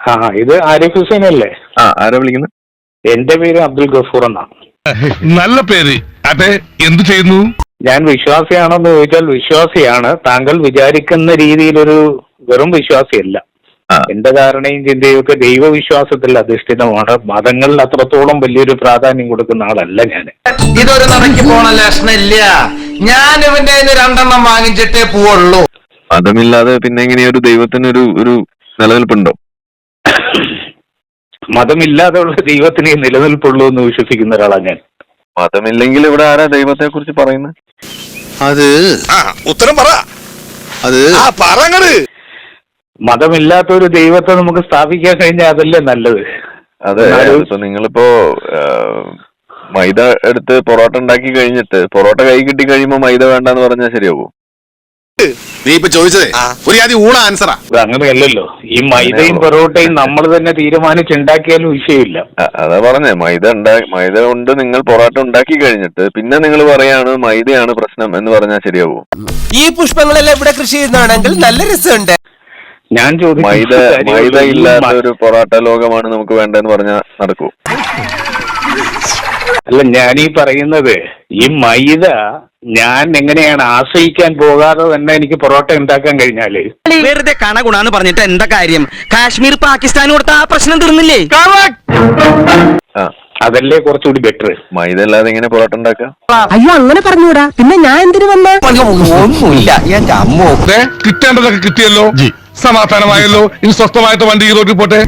ആ ഇത് ആരിഫ് ഹുസൈൻ അല്ലേ? ആരാ വിളിക്കുന്നത്? എന്റെ പേര് അബ്ദുൽ ഗഫൂർ എന്നാണ്. നല്ല പേര്. അതെ, എന്തു ചെയ്യുന്നു? ഞാൻ വിശ്വാസിയാണെന്ന് ചോദിച്ചാൽ വിശ്വാസിയാണ്. താങ്കൾ വിചാരിക്കുന്ന രീതിയിലൊരു വെറും വിശ്വാസിയല്ല. എന്റെ ധാരണയും ചിന്തയും ഒക്കെ ദൈവവിശ്വാസത്തിൽ അധിഷ്ഠിതമാണ്. മതങ്ങളിൽ അത്രത്തോളം വലിയൊരു പ്രാധാന്യം കൊടുക്കുന്ന ആളല്ല ഞാൻ. ഇതൊരു നടക്കി പോണ ലക്ഷണില്ല. ഞാൻ ഇവന്റെ 2 വാങ്ങിച്ചിട്ടേ പോവുള്ളൂ. മതമില്ലാതെ പിന്നെ എങ്ങനെയൊരു ദൈവത്തിനൊരു ഒരു നിലനിൽപ്പുണ്ടോ? മതമില്ലാതെയുള്ള ദൈവത്തിനെ നിലനിൽപ്പുള്ളൂ എന്ന് വിശ്വസിക്കുന്ന ഒരാളാണ് ഞാൻ. മതമില്ലെങ്കിൽ ഇവിടെ ആരാ ദൈവത്തെ കുറിച്ച് പറയുന്നത്? അത് ഉത്തരം പറ. അത് പറങ്ങട്. മതമില്ലാത്ത ഒരു ദൈവത്തെ നമുക്ക് സ്ഥാപിക്കാൻ കഴിഞ്ഞാൽ അതല്ലേ നല്ലത്. അതെ, ഇപ്പൊ നിങ്ങളിപ്പോ മൈദ എടുത്ത് പൊറോട്ട ഉണ്ടാക്കി കഴിഞ്ഞിട്ട് പൊറോട്ട കൈ കിട്ടി കഴിയുമ്പോ മൈദ വേണ്ടെന്ന് പറഞ്ഞാൽ ശരിയാവോ? നീ ഇപ്പൊ ചോദിച്ചതേ ഒരു ആദ്യം ഊണ ആൻസറാ. അങ്ങനെയല്ലല്ലോ. ഈ മൈദയും പൊറോട്ടയും നമ്മൾ തന്നെ തീരുമാനിച്ചുണ്ടാക്കിയാലും വിഷയമില്ല. അതാ പറഞ്ഞേ, മൈദ കൊണ്ട് നിങ്ങൾ പൊറോട്ട ഉണ്ടാക്കി കഴിഞ്ഞിട്ട് പിന്നെ നിങ്ങൾ പറയാണ് മൈദയാണ് പ്രശ്നം എന്ന് പറഞ്ഞാൽ ശരിയാവോ? ഈ പുഷ്പങ്ങളെല്ലാം ഇവിടെ കൃഷി ചെയ്യുന്നതാണെങ്കിൽ നല്ല രസമുണ്ട്. ഞാൻ മൈദ ഇല്ലാത്ത ഒരു പൊറോട്ട ലോകമാണ് നമുക്ക് വേണ്ടെന്ന് പറഞ്ഞാൽ നടക്കൂ? അല്ല, ഞാനീ പറയുന്നത് ഈ മൈദ ഞാൻ എങ്ങനെയാണ് ആശ്രയിക്കാൻ പോകാതെ തന്നെ എനിക്ക് പൊറോട്ട ഉണ്ടാക്കാൻ കഴിഞ്ഞാല് വെറുതെ കണഗുണാന്ന് പറഞ്ഞിട്ട് എന്താ കാര്യം? കാശ്മീർ പാകിസ്ഥാൻ കൊടുത്ത ആ പ്രശ്നം തീർന്നില്ലേ? അതല്ലേ കുറച്ചുകൂടി ബെറ്റർ. മൈദ അല്ലാതെ എങ്ങനെ പൊറോട്ട ഉണ്ടാക്കാം? അയ്യോ, അങ്ങനെ പറഞ്ഞൂടാ. പിന്നെ ഞാൻ എന്തിനു വന്ന ഒന്നുമില്ല. കിട്ടേണ്ടതൊക്കെ കിട്ടിയല്ലോ, സമാധാനമായല്ലോ. ഇനി സ്വസ്ഥമായിട്ട് വണ്ടി ഈ റോഡിൽ പോട്ടെ.